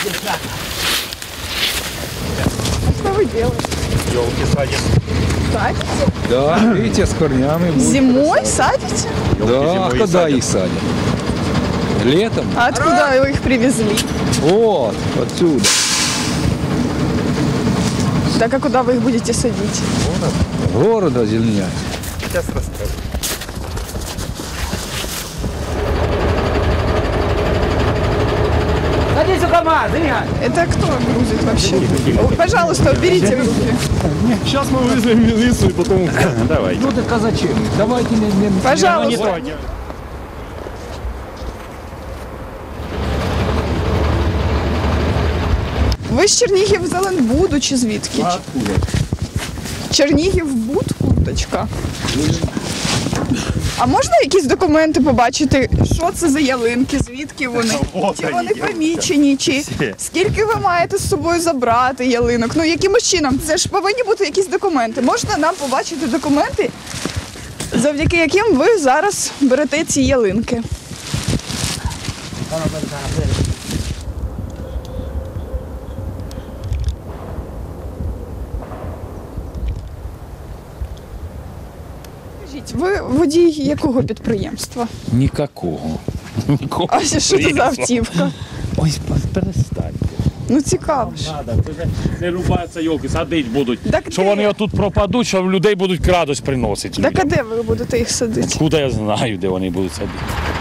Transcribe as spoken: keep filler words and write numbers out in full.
Что вы делаете? Елки садим. Садите? Да, видите, с корнями. будет Зимой красота. садите? Да, а зимой и когда садят. их садят? Летом? А откуда вы их привезли? Вот, отсюда. Так а куда вы их будете садить? Города зеленять. Сейчас расскажу. Садись у КамАЗ, Игорь! Это кто грузит вообще? О, пожалуйста, уберите в руки. Сейчас мы вызовем милицию и потом... Давай. Ну так а зачем? Давайте не... не- Пожалуйста. Ви з Чернігів Зеленбуду чи звідки? Откуда? Чернігів-Буд, курточка. А можна якісь документи побачити, що це за ялинки, звідки вони? Вот Чи вони, вони ялинка. помічені, чи Всі. скільки ви маєте з собою забрати ялинок? Ну якимось чином, це ж повинні бути якісь документи. Можна нам побачити документи, завдяки яким ви зараз берете ці ялинки? Скажіть, ви водій якого підприємства? Нікакого. Нікого. А що це за автівка? Ой, перестаньте. Ну цікаво ж. Надо, це не рубаються йолки, садить будуть. Так Що де? вони отут пропадуть, що людей будуть крадось приносити. Так а людям. де ви будете їх садити? Куди я знаю, де вони будуть садити.